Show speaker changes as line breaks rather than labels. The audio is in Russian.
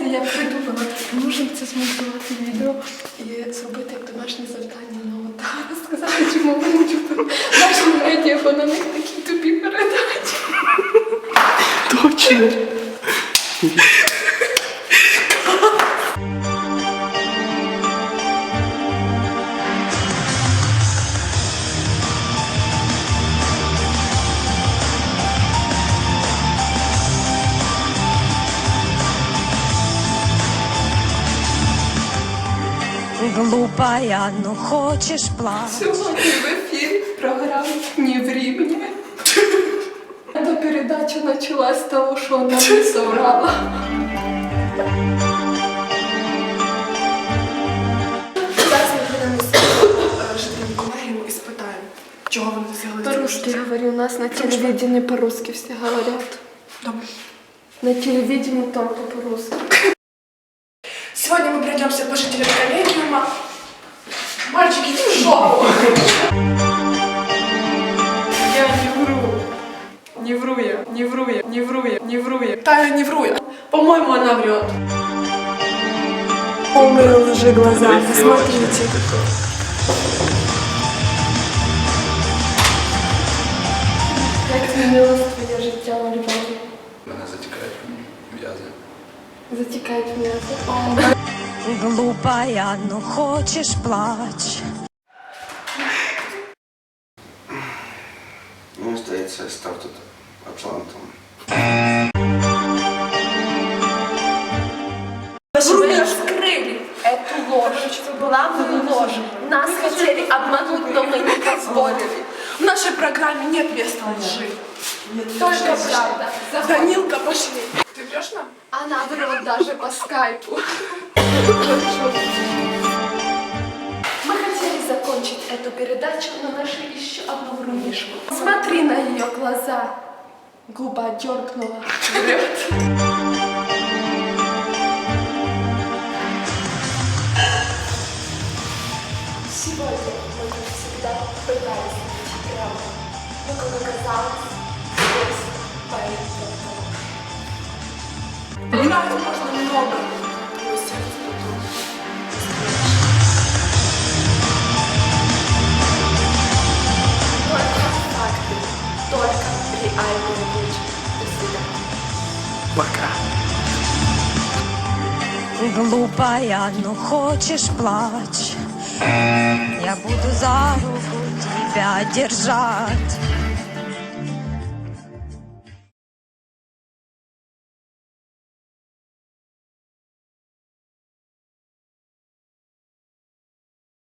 я придумала, можемо це змонтувати відео і зробити як домашнє завдання на ОТА, розказати, чому вони наші медіа, бо на них такі тупі передачі.
Точно.
Глупая, ну хочешь плакать.
Сьогодні в ефірі програма «Не времени». Эта передача началась с того, что она не соврала.
Зараз ми прийдемо з жителями колегіуму і спитаємо, чого вони досягли.
По-русски говорю, у нас на телевидении по-русски все говорят.
Добре.
На телевидении только по-русски.
Сегодня мы пройдемся по жителям коллегиума. Мальчики, иди в жопу!
Я не вру. Не вру я, не вру я, не вру я, не вру я.
Тая, не вру я.
По-моему, она врет.
Полные лжи глаза, посмотрите.
Як змінилось твоє життя у Львові?
Мене затікають м'язи.
Затікають м'язи.
Глупая, ну хочешь плачь.
Ну, здається, я став тут атлантом.
Вы раскрыли эту ложь, главную ложь. Нас хотели обмануть, но мы не позволили.
В нашей программе нет места лжи.
Только правда.
Данилка, пошли. Ты врешь нам?
Она врет даже по скайпу. Мы хотели закончить эту передачу, но нашли еще одну врунишку. Смотри на ее глаза. Губа дернула. Врет. Сегодня мы, как всегда, пытались найти правду. Но, как оказалось, здесь поэт только ложь.
Правды можно много. Но сердце потом.
Только факты, только реальные люди. До свидания.
Пока.
Глупая, ну хочешь плачь. Я буду за руку тебя держать.